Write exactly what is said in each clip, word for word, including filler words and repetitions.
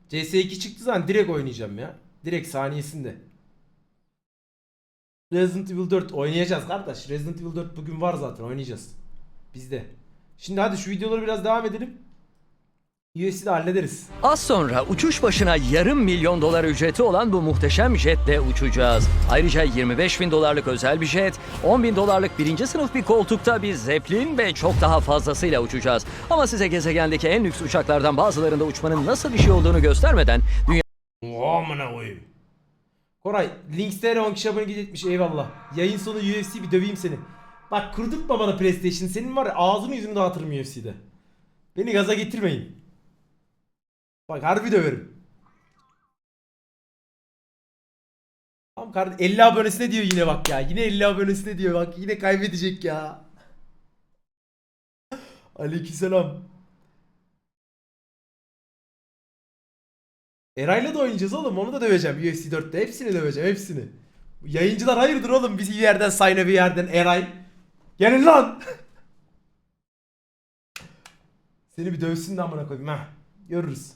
C S iki çıktığı zaman direkt oynayacağım ya. Direkt saniyesinde. Resident Evil dört oynayacağız kardeş. Resident Evil dört bugün var zaten, oynayacağız. Bizde. Şimdi hadi şu videoları biraz devam edelim. U F C'de hallederiz. Az sonra uçuş başına yarım milyon dolar ücreti olan bu muhteşem jetle uçacağız. Ayrıca yirmi beş bin dolarlık özel bir jet, on bin dolarlık birinci sınıf bir koltukta bir zeplin ve çok daha fazlasıyla uçacağız. Ama size gezegendeki en lüks uçaklardan bazılarında uçmanın nasıl bir şey olduğunu göstermeden dünya... Oha amına koyayım. Koray, Links'te on kişi abone gitmiş, eyvallah. Yayın sonu U F C bir döveyim seni. Bak kurdurtma bana PlayStation, senin var ya ağzını yüzünü dağıtırım U F C'de. Beni gaza getirmeyin. Bak harbi döverim. Tamam kardeşim, elli abonesine diyor yine bak ya. Yine elli abonesine diyor bak, yine kaybedecek ya. Aleykümselam. Eray'la da oynayacağız oğlum, onu da döveceğim U F C dörtte. Hepsini döveceğim, hepsini. Yayıncılar hayırdır oğlum, bizi bir yerden Sayna bir yerden Eray. Gelin lan. Seni bir dövsün de amına koyayım ha. Görürüz.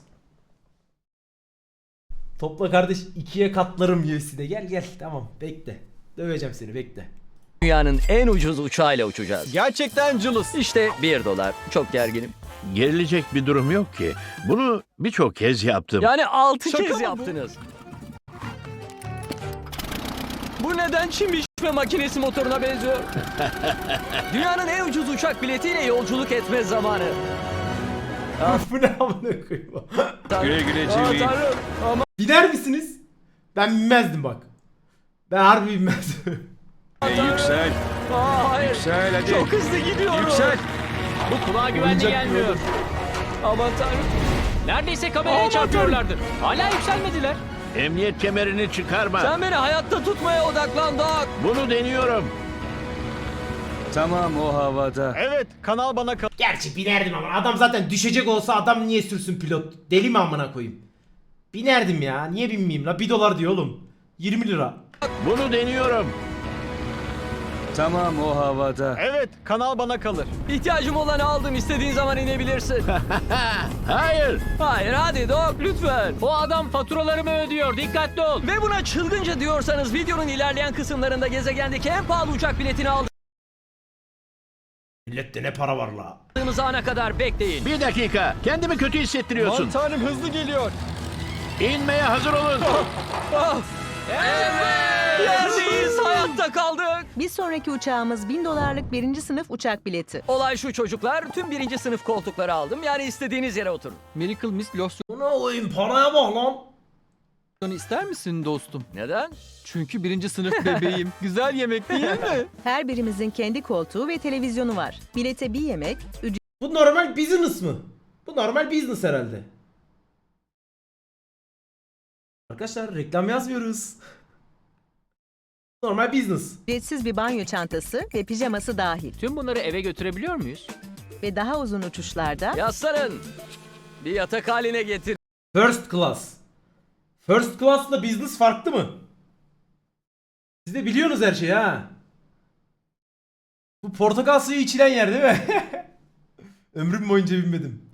Topla kardeş, ikiye katlarım U F C'de. Gel gel, tamam bekle. Döveceğim seni, bekle. dünyanın en ucuz uçağıyla uçacağız. Gerçekten cılız. İşte bir dolar. Çok gerginim. Gerilecek bir durum yok ki. Bunu birçok kez yaptım. Yani altı Şaka kez mı bu? yaptınız. Bu neden çim biçme makinesi motoruna benziyor? Dünyanın en ucuz uçak biletiyle yolculuk etme zamanı. Bu ne amına koyayım. Güle güle Aa, Jimmy. Tanrım. Ama Biner misiniz? Ben binmezdim bak. Ben harbi binmezdim. Yüksel. Aa, hayır. Yüksel hadi. Çok hızlı gidiyorum. Yüksel. Bu kulağa güvenli Oyuncak gelmiyor. Aman tanrım. Neredeyse kameraya Aman çarpıyorlardı. Hala yükselmediler. Emniyet kemerini çıkarma. Sen beni hayatta tutmaya odaklan Doc. Bunu deniyorum. Tamam o havada. Evet kanal bana kal. Gerçi binerdim ama adam zaten düşecek olsa adam niye sürsün pilot? Deli mi amına koyayım? Binerdim ya. Niye binmeyeyim la? bir dolar diyor oğlum. yirmi lira. Bunu deniyorum. Tamam o havada. Evet kanal bana kalır. İhtiyacım olanı aldım. İstediğin zaman inebilirsin. Hayır. Hayır hadi Doc lütfen. O adam faturalarımı ödüyor. Dikkatli ol. Ve buna çılgınca diyorsanız videonun ilerleyen kısımlarında gezegendeki en pahalı uçak biletini Millette ne para var la? aldığımız ana kadar bekleyin. Bir dakika. Kendimi kötü hissettiriyorsun. Aman tanrım hızlı geliyor. İnmeye hazır olun. Oh, yerdeyiz, hayatta kaldık. Bir sonraki uçağımız bin dolarlık birinci sınıf uçak bileti. Olay şu çocuklar, tüm birinci sınıf koltukları aldım. Yani istediğiniz yere oturun. Miracle Mist Buna koyayım, paraya bak lan. losyonu ister misin dostum? Neden? Çünkü birinci sınıf bebeğim. Güzel yemek değil mi? Her birimizin kendi koltuğu ve televizyonu var. Bilete bir yemek, Bu normal business mı? Bu normal business herhalde. Arkadaşlar reklam yazmıyoruz. Normal business. ücretsiz bir banyo çantası ve pijaması dahil. Tüm bunları eve götürebiliyor muyuz? Ve daha uzun uçuşlarda Yaslanın. Bir yatak haline getir. First class. First class'la business farklı mı? Siz de biliyorsunuz her şeyi ha. Bu portakal suyu içilen yer değil mi? Ömrüm boyunca bilmedim.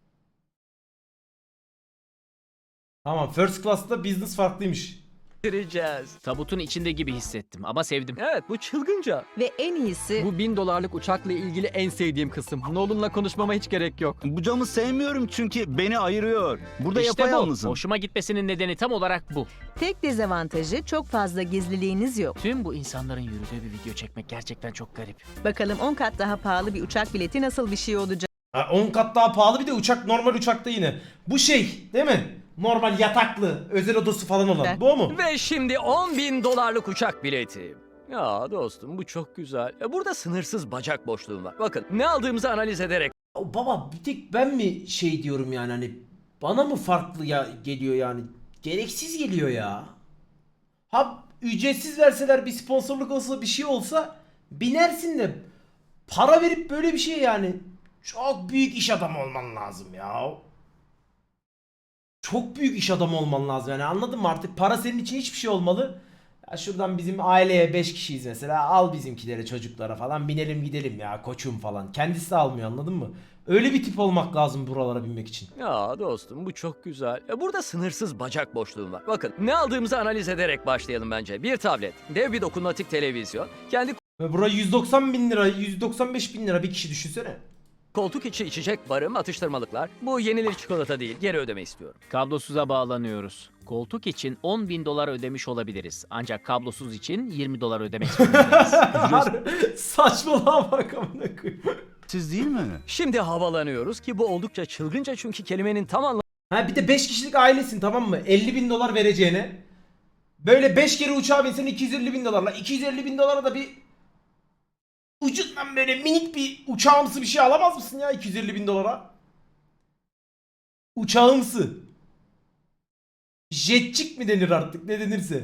Tamam, first class'la business farklıymış. Getireceğiz. Tabutun içinde gibi hissettim ama sevdim. Evet, bu çılgınca. ve en iyisi Bu bin dolarlık uçakla ilgili en sevdiğim kısım. Nolan'la konuşmama hiç gerek yok. Bu camı sevmiyorum çünkü beni ayırıyor. Burada İşte bu. yapayalnızım. Hoşuma gitmesinin nedeni tam olarak bu. tek dezavantajı çok fazla gizliliğiniz yok. Tüm bu insanların yürüdüğü bir video çekmek gerçekten çok garip. Bakalım on kat daha pahalı bir uçak bileti nasıl bir şey olacak? Ha, on kat daha pahalı, bir de uçak normal uçakta yine. Bu şey değil mi? Normal yataklı, özel odası falan olan. Bu o mu? Ve şimdi on bin dolarlık uçak bileti. Ya dostum bu çok güzel. E, Burada sınırsız bacak boşluğum var. Bakın ne aldığımızı analiz ederek O baba, bir tek ben mi şey diyorum yani, hani bana mı farklı ya geliyor yani? Gereksiz geliyor ya. Ha ücretsiz verseler, bir sponsorluk olsa, bir şey olsa binersin de para verip böyle bir şey yani, çok büyük iş adamı olman lazım ya. Çok büyük iş adamı olman lazım yani, anladın mı? Artık para senin için hiçbir şey olmalı. Ya şuradan bizim aileye beş kişiyiz mesela, al bizimkilere, çocuklara falan binelim gidelim ya koçum falan. Kendisi de almıyor, anladın mı? Öyle bir tip olmak lazım buralara binmek için. Ya dostum bu çok güzel. E, Burada sınırsız bacak boşluğum var. Bakın ne aldığımızı analiz ederek başlayalım bence. Bir tablet, dev bir dokunmatik televizyon, kendi Ve buraya yüz doksan bin lira, yüz doksan beş bin lira bir kişi düşünsene. koltuk içi içecek barım, atıştırmalıklar. Bu yenilir çikolata değil, geri ödeme istiyorum. Kablosuza bağlanıyoruz. Koltuk için on bin dolar ödemiş olabiliriz. Ancak kablosuz için yirmi dolar ödemek zorundayız. Harbi saçmalama bak amına koyayım. Siz değil mi? Şimdi havalanıyoruz ki bu oldukça çılgınca çünkü kelimenin tam anlamı Ha bir de beş kişilik ailesin tamam mı? elli bin dolar vereceğine. Böyle beş kere uçağa binsen iki yüz elli bin dolarla. iki yüz elli bin dolara da bir ucundan böyle minik bir uçağımsı bir şey alamaz mısın ya iki yüz elli bin dolara? Uçağımsı. Jetçik mi denir artık ne denirse.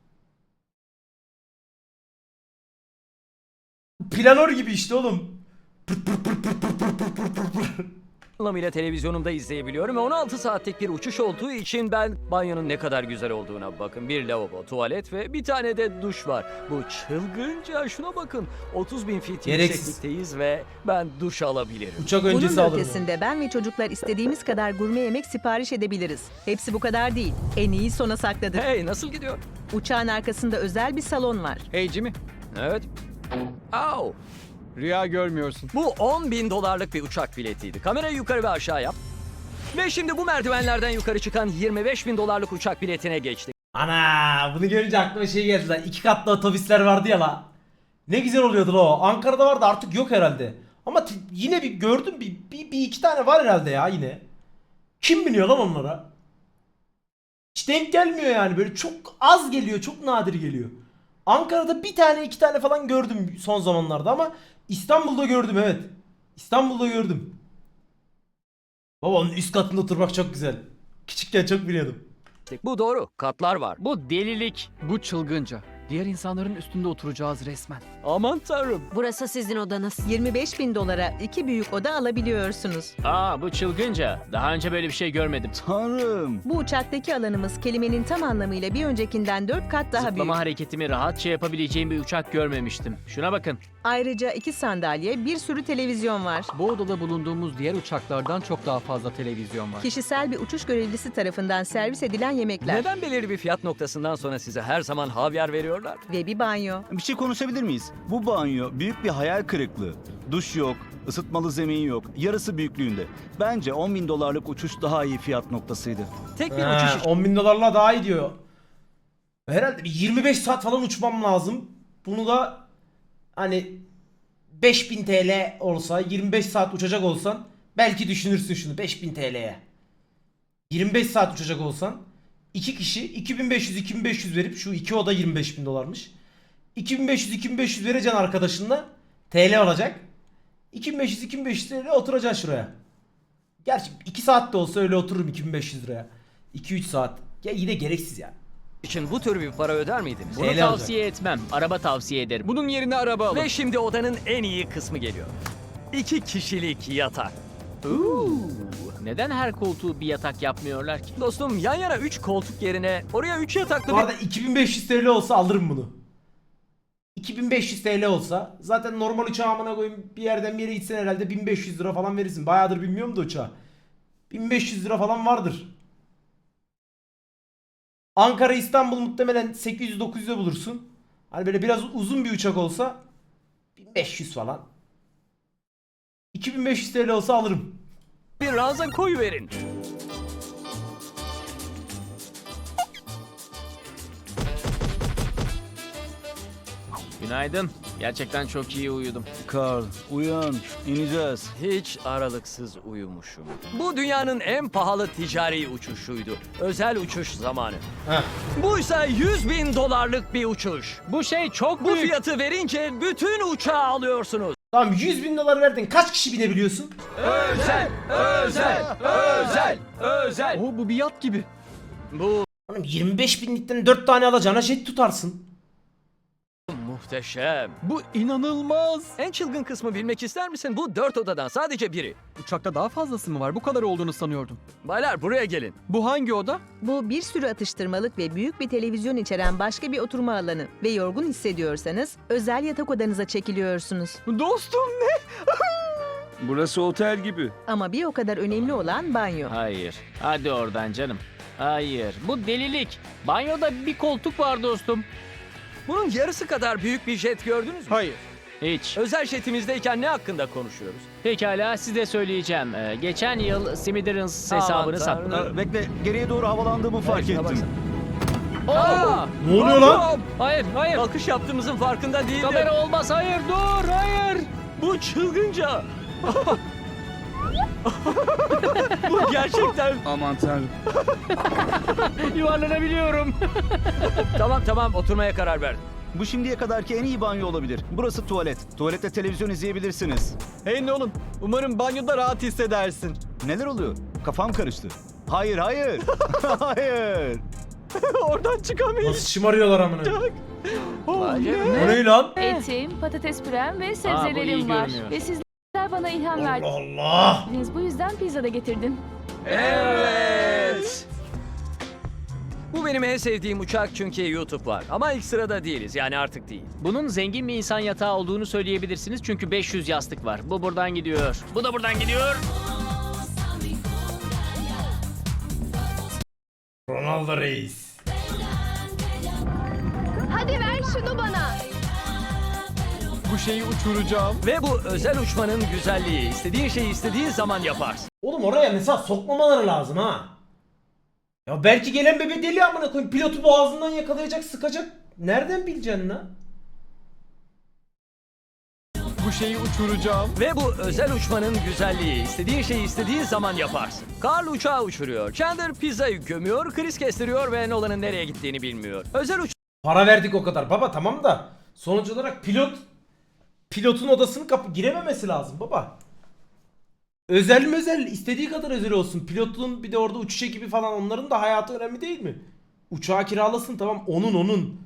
Planör gibi işte oğlum. Pırt pırt pırt pırt pırt pırt pırt pırt pırt pırt. anlamıyla televizyonumda izleyebiliyorum ve on altı saatlik bir uçuş olduğu için ben banyonun ne kadar güzel olduğuna bakın. Bir lavabo, tuvalet ve bir tane de duş var. Bu çılgınca, şuna bakın. otuz bin feet Gereksiz. yükseklikteyiz ve ben duş alabilirim. Uçak Bunun öncesi da alırım. ötesinde ben ve çocuklar istediğimiz kadar gurme yemek sipariş edebiliriz. Hepsi bu kadar değil. En iyi sona sakladık. Hey, nasıl gidiyor? Uçağın arkasında özel bir salon var. Hey Jimmy, Evet. Au. rüya görmüyorsun. Bu on bin dolarlık bir uçak biletiydi. Kamerayı yukarı ve aşağı yap. Ve şimdi bu merdivenlerden yukarı çıkan yirmi beş bin dolarlık uçak biletine geçtik. Ana bunu görünce aklıma şey geldi lan. İki katlı otobüsler vardı ya la. Ne güzel oluyordu la o. Ankara'da vardı artık yok herhalde. Ama t- yine bir gördüm bir, bir, bir iki tane var herhalde ya yine. Kim biniyor lan onlara? Hiç denk gelmiyor yani böyle çok az geliyor çok nadir geliyor. Ankara'da bir tane iki tane falan gördüm son zamanlarda ama İstanbul'da gördüm evet. İstanbul'da gördüm. Baba onun üst katında oturmak çok güzel. Küçükken çok biliyordum. Bu doğru. Katlar var. Bu delilik. Bu çılgınca. Diğer insanların üstünde oturacağız resmen. Aman tanrım. Burası sizin odanız. yirmi beş bin dolara iki büyük oda alabiliyorsunuz. Aa bu çılgınca. Daha önce böyle bir şey görmedim. Tanrım. Bu uçaktaki alanımız kelimenin tam anlamıyla bir öncekinden dört kat daha Zıplama büyük. hareketimi rahatça yapabileceğim bir uçak görmemiştim. Şuna bakın. Ayrıca iki sandalye, bir sürü televizyon var. Bu odada bulunduğumuz diğer uçaklardan çok daha fazla televizyon var. Kişisel bir uçuş görevlisi tarafından servis edilen yemekler Neden belirli bir fiyat noktasından sonra size her zaman havyar veriyorlar? ve bir banyo. Bir şey konuşabilir miyiz? Bu banyo büyük bir hayal kırıklığı. Duş yok, ısıtmalı zemin yok, yarısı büyüklüğünde. Bence on bin dolarlık uçuş daha iyi fiyat noktasıydı. Tek bir He, uçuş için on bin dolarla daha iyi diyor. Herhalde bir yirmi beş saat falan uçmam lazım. Bunu da hani beş bin T L olsa yirmi beş saat uçacak olsan belki düşünürsün şunu beş bin T L'ye. yirmi beş saat uçacak olsan iki kişi iki bin beş yüz iki bin beş yüz verip şu iki oda yirmi beş bin dolarmış. iki bin beş yüz iki bin beş yüz vereceksin arkadaşınla T L olacak. iki bin beş yüz iki bin beş yüz T L oturacaksın şuraya. Gerçi iki saat de olsa öyle otururum iki bin beş yüz liraya. iki üç saat. Ya yine gereksiz ya. için bu tür bir para öder miydiniz? Bunu T L tavsiye etmem. Araba tavsiye ederim. Bunun yerine araba alın. Ve şimdi odanın en iyi kısmı geliyor. İki kişilik yatak. Neden her koltuğu bir yatak yapmıyorlar ki? Dostum yan yana üç koltuk yerine oraya üç yataklı Bu bir... arada iki bin beş yüz T L olsa alırım bunu. iki bin beş yüz T L olsa zaten normal uçağı amına koyayım bir yerden bir yere gitsen herhalde bin beş yüz lira falan verirsin. Bayağıdır bilmiyorum da uçağı. bin beş yüz lira falan vardır. Ankara İstanbul muhtemelen sekiz yüz dokuz yüze bulursun. Hani böyle biraz uzun bir uçak olsa bin beş yüz falan. iki bin beş yüz T L olsa alırım. bir ranza koyuverin. Günaydın. Gerçekten çok iyi uyudum. Carl, uyan, ineceğiz. Hiç aralıksız uyumuşum. Bu dünyanın en pahalı ticari uçuşuydu. Özel uçuş zamanı. Heh. Buysa yüz bin dolarlık bir uçuş. Bu şey çok Bu büyük. fiyatı verince bütün uçağı alıyorsunuz. Tamam yüz bin dolar verdin. Kaç kişi binebiliyorsun? Özel, özel, özel, özel. Oo, bu bir yat gibi. Bu Oğlum yirmi beş binlikten dört tane alacağına jet tutarsın. muhteşem. Bu inanılmaz. En çılgın kısmı bilmek ister misin? Bu dört odadan sadece biri. Uçakta daha fazlası mı var? Bu kadar olduğunu sanıyordum. Baylar buraya gelin. Bu hangi oda? Bu bir sürü atıştırmalık ve büyük bir televizyon içeren başka bir oturma alanı ve yorgun hissediyorsanız özel yatak odanıza çekiliyorsunuz. Dostum ne? Burası otel gibi. Ama bir o kadar önemli olan banyo. Hayır. Hadi oradan canım. Hayır. Bu delilik. Banyoda bir koltuk var dostum. Bunun yarısı kadar büyük bir jet gördünüz mü? Hayır. Hiç. Özel jetimizdeyken ne hakkında konuşuyoruz? Pekala size söyleyeceğim. Ee, geçen yıl Smithereens hesabını Aman tanrım. sattım. Ee, bekle, geriye doğru havalandığımı fark Şuna ettim. baksana. Aa! Ne oluyor lan? Hayır, hayır. Kalkış yaptığımızın farkında değildim. Kamera olmaz. Hayır, dur. Hayır. Bu çılgınca. Bu gerçekten. Aman tanrım. Yuvarlanabiliyorum. Tamam tamam oturmaya karar verdim. Bu şimdiye kadarki en iyi banyo olabilir. Burası tuvalet. Tuvalette televizyon izleyebilirsiniz. Hey Nolan, umarım banyoda rahat hissedersin. Neler oluyor? Kafam karıştı. Hayır, hayır. hayır. Oradan çıkamayız. Nasıl şımarıyorlar amına. Vay canına. O ne lan? Etim, patates pürem ve iyi sebzelerim var. görünüyor. Ve sizler bana ilham Allah verdiniz. Allah. Bu yüzden pizza da getirdim. Evet. Bu benim en sevdiğim uçak çünkü YouTube var. Ama ilk sırada değiliz yani artık değil. Bunun zengin bir insan yatağı olduğunu söyleyebilirsiniz çünkü beş yüz yastık var. Bu buradan gidiyor. Bu da buradan gidiyor. Ronaldo Reis. Hadi ver şunu bana. Bu şeyi uçuracağım. Ve bu özel uçmanın güzelliği. İstediğin şeyi istediğin zaman yaparsın. Oğlum oraya mesela sokmamaları lazım ha. Ya belki gelen bebe deli amına koyayım. Pilotu boğazından yakalayacak, sıkacak. Nereden bileceksin lan? Bu şeyi uçuracağım. Ve bu özel uçmanın güzelliği. İstediğin şeyi istediğin zaman yaparsın. Carl uçağı uçuruyor. Chandler pizzayı gömüyor. Chris kestiriyor ve Nolan'ın nereye gittiğini bilmiyor. Özel Para verdik o kadar baba, tamam da sonuç olarak pilot pilotun odasını kapı girememesi lazım baba. Özel mi özel, istediği kadar özel olsun. Pilotun bir de orada uçuş ekibi falan, onların da hayatı önemli değil mi? Uçağı kiralasın, tamam, onun onun.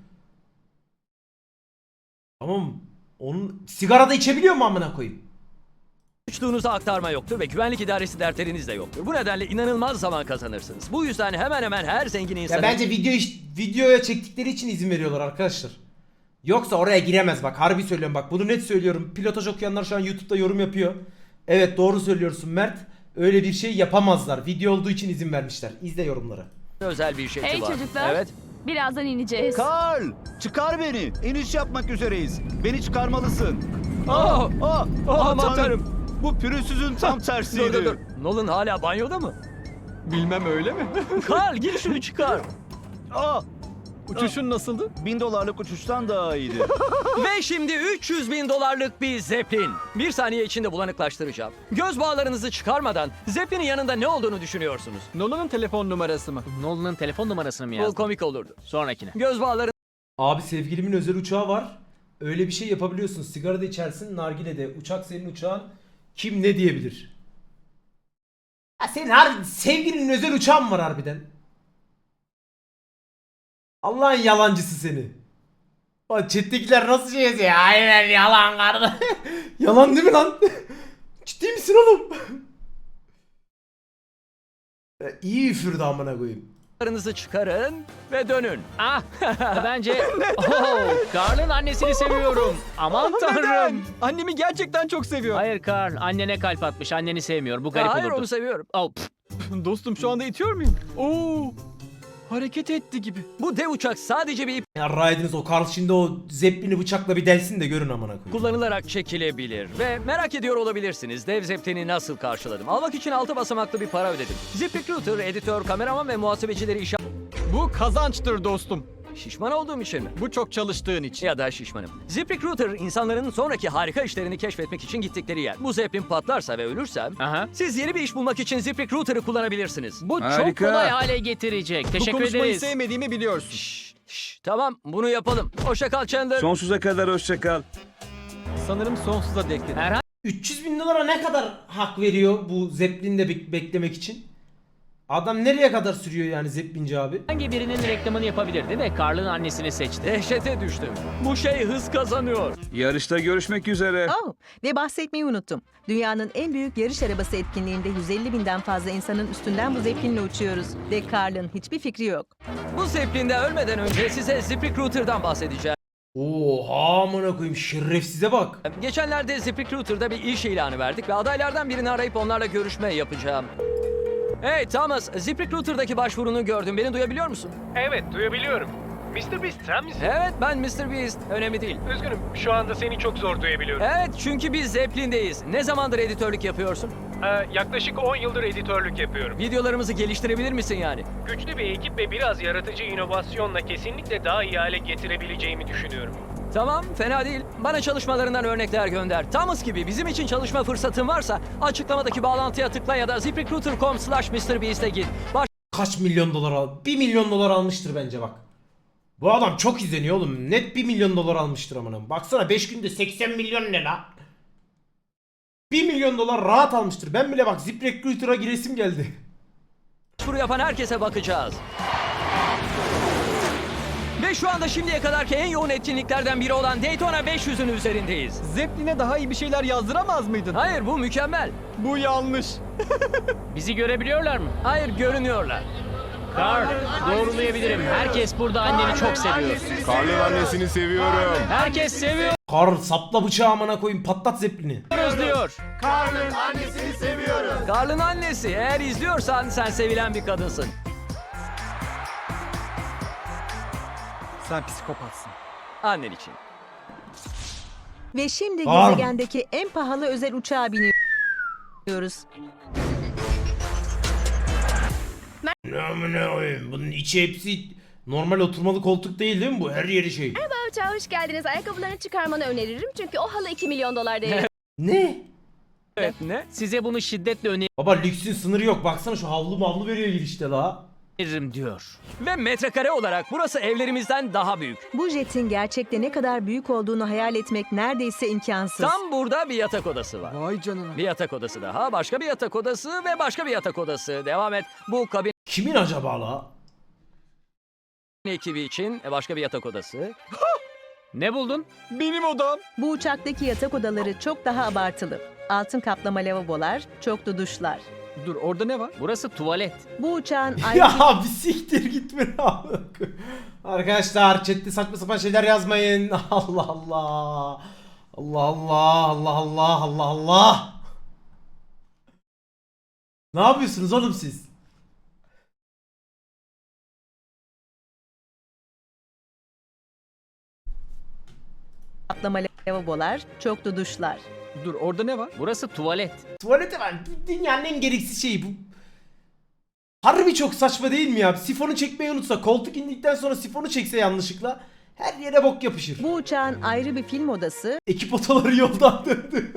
Tamam, onun sigara da içebiliyor mu amına koyayım? uçtuğunuza aktarma yoktur ve güvenlik idaresi dertleriniz de yoktur. Bu nedenle inanılmaz zaman kazanırsınız. Bu yüzden hemen hemen her zengin Ya insanın... bence video iş- videoya çektikleri için izin veriyorlar arkadaşlar. Yoksa oraya giremez bak, harbi söylüyorum bak, bunu net söylüyorum. Pilotaj okuyanlar şu an YouTube'da yorum yapıyor. Evet, doğru söylüyorsun Mert. Öyle bir şey yapamazlar. Video olduğu için izin vermişler. İzle yorumları. özel bir şey Hey var. çocuklar. Evet. Birazdan ineceğiz. Carl, çıkar beni. İniş yapmak üzereyiz. Beni çıkarmalısın. Aa! Aa, aa, aman tanrım. Bu pürüzsüzün tam tersiydi. Dur dur dur. Nolan hala banyoda mı? Bilmem öyle mi? Carl gir şunu çıkar. Aa, Uçuşun nasıldı? bin dolarlık uçuştan daha iyiydi. Ve şimdi üç yüz bin dolarlık bir Zeppelin. Bir saniye içinde bulanıklaştıracağım. Göz bağlarınızı çıkarmadan Zeppelin'in yanında ne olduğunu düşünüyorsunuz? Nolan'ın telefon numarası mı? Nolan'ın telefon numarasını mı Bu yazdın? komik olurdu. Sonrakine. Göz bağları Abi sevgilimin özel uçağı var. Öyle bir şey yapabiliyorsun. Sigara da içersin, nargile de. Uçak senin uçağın. Kim ne diyebilir? Ya senin harbi sevgilinin özel uçağın mı var harbiden? Allah'ın yalancısı seni. Bak chat'tekiler nasıl şey yazıyor? Aynen yalan kardeş. Yalan değil mi lan? Ciddi misin oğlum? Ya iyi üfürdü amına koyayım. Karınızı çıkarın ve dönün. Ah bence oh, Carl'ın annesini seviyorum. Aman tanrım. Neden? Annemi gerçekten çok seviyor. Hayır Carl, annene kalp atmış. Anneni sevmiyor. Bu garip Hayır olurdu. onu seviyorum. Oh, pf. Dostum şu anda itiyor muyum? Oo! Hareket etti gibi. Bu dev uçak sadece bir ip Ya Raid'iniz o Carl şimdi o Zeppelin'i bıçakla bir delsin de görün amına koyayım. kullanılarak çekilebilir. Ve merak ediyor olabilirsiniz dev Zeppelin'i nasıl karşıladım. Almak için altı basamaklı bir para ödedim. ZipRecruiter, editör, kameraman ve muhasebecileri işe... Bu kazançtır dostum. Şişman olduğum için mi? Bu çok çalıştığın için. Ya da şişmanım. ZipRecruiter insanların sonraki harika işlerini keşfetmek için gittikleri yer. Bu Zeppelin patlarsa ve ölürsem Aha. siz yeni bir iş bulmak için ZipRecruiter'ı kullanabilirsiniz. Bu çok kolay hale getirecek. Bu Teşekkür konuşmayı ederiz. sevmediğimi biliyorsun. Şşş, şşş, tamam bunu yapalım. Hoşça kal Chandler. Sonsuza kadar hoşça kal. Sanırım sonsuza dek dedim. Herhangi üç yüz bin dolara ne kadar hak veriyor bu Zeppelin'de bek- beklemek için? Adam nereye kadar sürüyor yani Zeppelinci abi? birinin reklamını yapabilirdi ve Carl'ın annesini seçti. Dehşete düştüm. Bu şey hız kazanıyor. Yarışta görüşmek üzere. Oh, ve bahsetmeyi unuttum. Dünyanın en büyük yarış arabası etkinliğinde yüz elli binden fazla insanın üstünden bu Zeppelin'le uçuyoruz. Ve Carl'ın hiçbir fikri yok. Bu Zeppelin'de ölmeden önce size ZipRecruiter'dan bahsedeceğim. Oha amına koyayım şerefsize bak. Geçenlerde ZipRecruiter'da bir iş ilanı verdik ve adaylardan birini arayıp onlarla görüşme yapacağım. Hey Thomas, ZipRecruiter'daki başvurunu gördüm. Beni duyabiliyor musun? Evet, duyabiliyorum. mister Beast sen misin? Evet, ben mister Beast. Önemli değil. Üzgünüm, şu anda seni çok zor duyabiliyorum. Evet, çünkü biz Zeppelin'deyiz. Ne zamandır editörlük yapıyorsun? Ee, yaklaşık on yıldır editörlük yapıyorum. Videolarımızı geliştirebilir misin yani? Güçlü bir ekip ve biraz yaratıcı inovasyonla kesinlikle daha iyi hale getirebileceğimi düşünüyorum. Tamam, fena değil. Bana çalışmalarından örnekler gönder. Thomas gibi bizim için çalışma fırsatın varsa açıklamadaki bağlantıya tıkla ya da ziprecruiter nokta com slash mrbeast'e git. Baş Kaç milyon dolar al? bir milyon dolar almıştır bence bak. Bu adam çok izleniyor oğlum. Net bir milyon dolar almıştır amına. Baksana beş günde seksen milyon ne la? bir milyon dolar rahat almıştır. Ben bile bak ZipRecruiter'a giresim geldi. başvuru yapan herkese bakacağız. Ve şu anda şimdiye kadarki en yoğun etkinliklerden biri olan Daytona beş yüzün üzerindeyiz. Zeppelin'e daha iyi bir şeyler yazdıramaz mıydın? Hayır, bu mükemmel. Bu yanlış. Bizi görebiliyorlar mı? Hayır, görünüyorlar. Carl, doğrulayabilirim. Herkes burada anneni çok seviyor. Karl'ın annesini seviyorum. Herkes seviyoruz Kar sapla bıçağı amına koyayım patlat zeplini. diyor. Karl'ın annesini seviyorum. Karl'ın annesi, eğer izliyorsan sen sevilen bir kadınsın. Sen psikopatsın. Annen için. Ve şimdi Var. gezegendeki en pahalı özel uçağa biniyoruz. Ne amına koyayım bunun içi hepsi normal oturmalı koltuk değil değil mi bu? Her yeri şey. Uçağa hoş geldiniz. Ayakkabılarını çıkarmanı öneririm. Çünkü o halı iki milyon dolar değerinde. Ne? Evet, ne? Size bunu şiddetle Baba lüksün sınırı yok. Baksana şu havlu mavlu veriyor girişte la. öneririm diyor. Ve metrekare olarak burası evlerimizden daha büyük. Bu jetin gerçekte ne kadar büyük olduğunu hayal etmek neredeyse imkansız. Tam burada bir yatak odası var. Vay canına. Bir yatak odası daha, başka bir yatak odası ve başka bir yatak odası. Devam et. Bu kabin Kimin acaba la? ekibi için başka bir yatak odası. Ne buldun? Benim odam. Bu uçaktaki yatak odaları çok daha abartılı. Altın kaplama lavabolar, çoklu duşlar. Dur, orada ne var? Burası tuvalet. Bu uçağın ayrı Ya bir siktir gitme abi. Arkadaşlar chatte saçma sapan şeyler yazmayın. Allah Allah. Allah Allah Allah Allah Allah Allah. Ne yapıyorsunuz oğlum siz? kaplama lavabolar, çoklu duşlar. Dur, orada ne var? Burası tuvalet. Tuvalete var. Dünyanın en gereksiz şeyi bu. Harbi çok saçma değil mi ya? Sifonu çekmeyi unutsa, koltuk indikten sonra sifonu çekse yanlışlıkla her yere bok yapışır. Bu uçağın ayrı bir film odası Ekip otoları yoldan döndü.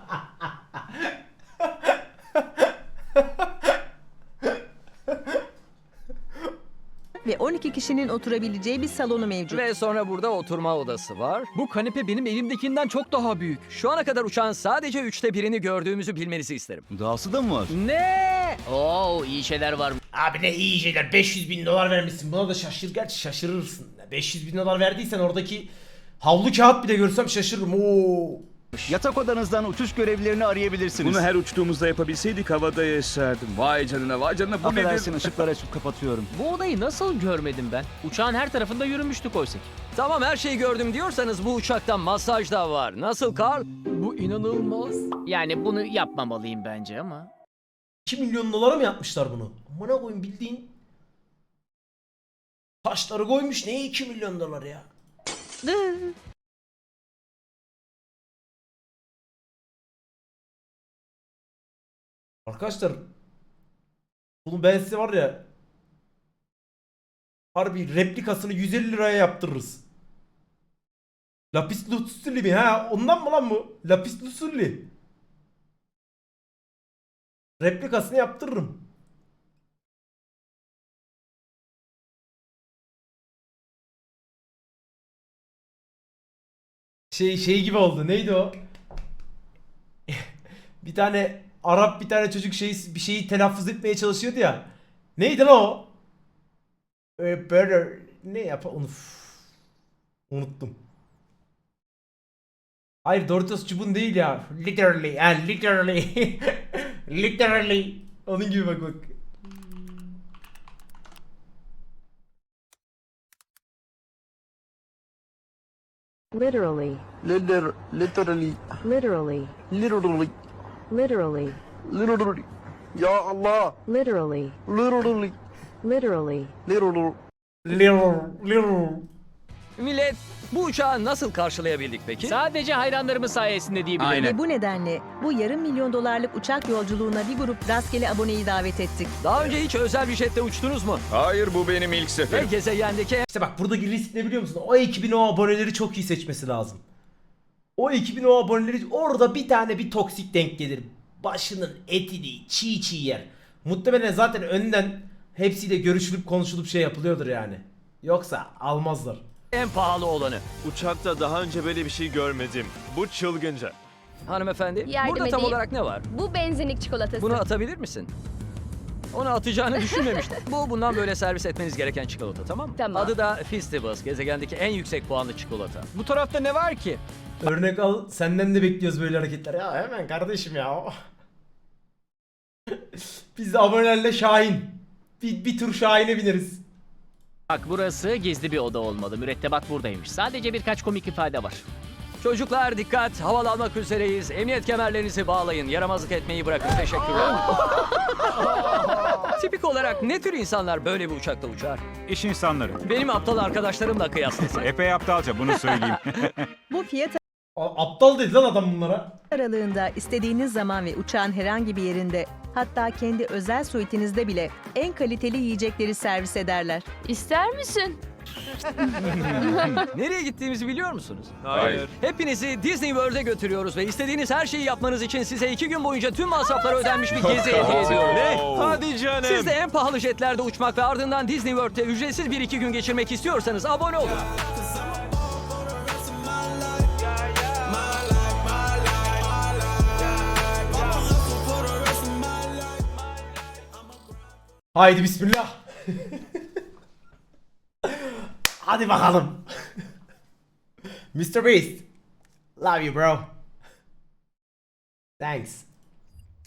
ve on iki kişinin oturabileceği bir salonu mevcut. Ve sonra burada oturma odası var. Bu kanepe benim elimdekinden çok daha büyük. Şu ana kadar uçağın sadece üçte birini gördüğümüzü bilmenizi isterim. Dahası da mı var? Ne? Oo, iyi şeyler var. Abi ne iyi şeyler. beş yüz bin dolar vermişsin. Buna da şaşır. Gerçi şaşırırsın. beş yüz bin dolar verdiysen oradaki havlu kağıt bile görsem şaşırırım. Oo. Yatak odanızdan uçuş görevlilerini arayabilirsiniz. Bunu her uçtuğumuzda yapabilseydik havada yaşardım. Vay canına vay canına bu Affedersin, nedir? ışıkları açıp kapatıyorum. Bu odayı nasıl görmedim ben? Uçağın her tarafında yürümüştük oysa ki. Tamam, her şeyi gördüm diyorsanız bu uçakta masaj da var. Nasıl Carl? Bu inanılmaz. Yani bunu yapmamalıyım bence ama. iki milyon dolara mı yapmışlar bunu? Amına koyayım bildiğin taşları koymuş. Neye iki milyon dolar ya? Arkadaşlar bunu ben size var ya harbi replikasını yüz elli liraya yaptırırız. Lapis lazuli mi ha? Ondan mı lan bu? Lapis lazuli. Replikasını yaptırırım. Şey şey gibi oldu. Neydi o? Bir tane Arap bir tane çocuk şey bir şeyi telaffuz etmeye çalışıyordu ya. Neydi lan o? Ee, böyle ne yap onu unuttum. Hayır Doritos çubuğun değil ya. Literally yani literally. Literally. Onun gibi bak bak. Literally. Liter, literally, Literally. literally, Literally. literally. Ya Allah, Literally. literally, Literally. literally. Little, little. Millet, bu uçağı nasıl karşılayabildik peki? Sadece hayranlarımız sayesinde diyebilirim. Ve bu nedenle bu yarım milyon dolarlık uçak yolculuğuna bir grup rastgele aboneyi davet ettik. Daha önce hiç özel bir jette uçtunuz mu? Hayır, bu benim ilk Ve seferim. gezegendeki İşte bak buradaki risk ne biliyor musun? O ekibin o aboneleri çok iyi seçmesi lazım. O ekibin o aboneleri orada bir tane bir toksik denk gelir. Başının etini çiğ çiğ yer. Muhtemelen zaten önden hepsiyle görüşülüp konuşulup şey yapılıyordur yani. Yoksa almazlar. en pahalı olanı. Uçakta daha önce böyle bir şey görmedim. Bu çılgınca. Hanımefendi, Yardım burada tam edeyim. olarak ne var? Bu benzinlik çikolatası. Bunu atabilir misin? Onu atacağını düşünmemiştim. Bu bundan böyle servis etmeniz gereken çikolata, tamam mı? Tamam. Adı da Festivus, gezegendeki en yüksek puanlı çikolata. Bu tarafta ne var ki? Örnek al, senden de bekliyoruz böyle hareketler. Ya hemen kardeşim ya. Biz de abonelerle Şahin. Bir, bir tur Şahin'e bineriz. Bak burası gizli bir oda olmalı. Mürettebat buradaymış. Sadece birkaç komik ifade var. Çocuklar dikkat, havalanmak üzereyiz. Emniyet kemerlerinizi bağlayın, yaramazlık etmeyi bırakın. Teşekkürler. Tipik olarak ne tür insanlar böyle bir uçakta uçar? İş insanları. Benim aptal arkadaşlarımla kıyaslasak. Epey aptalca, bunu söyleyeyim. Bu fiyat A- aptal dedi lan adam bunlara. aralığında istediğiniz zaman ve uçağın herhangi bir yerinde, hatta kendi özel suitinizde bile en kaliteli yiyecekleri servis ederler. İster misin? Nereye gittiğimizi biliyor musunuz? Hayır. Hepinizi Disney World'e götürüyoruz ve istediğiniz her şeyi yapmanız için size iki gün boyunca tüm masrafları ödenmiş bir gezi hediye ediyorum. Hadi canım. Siz de en pahalı jetlerde uçmak ve ardından Disney World'te ücretsiz bir iki gün geçirmek istiyorsanız abone olun. Haydi bismillah. Hadi bakalım. mister Beast. Love you bro. Thanks.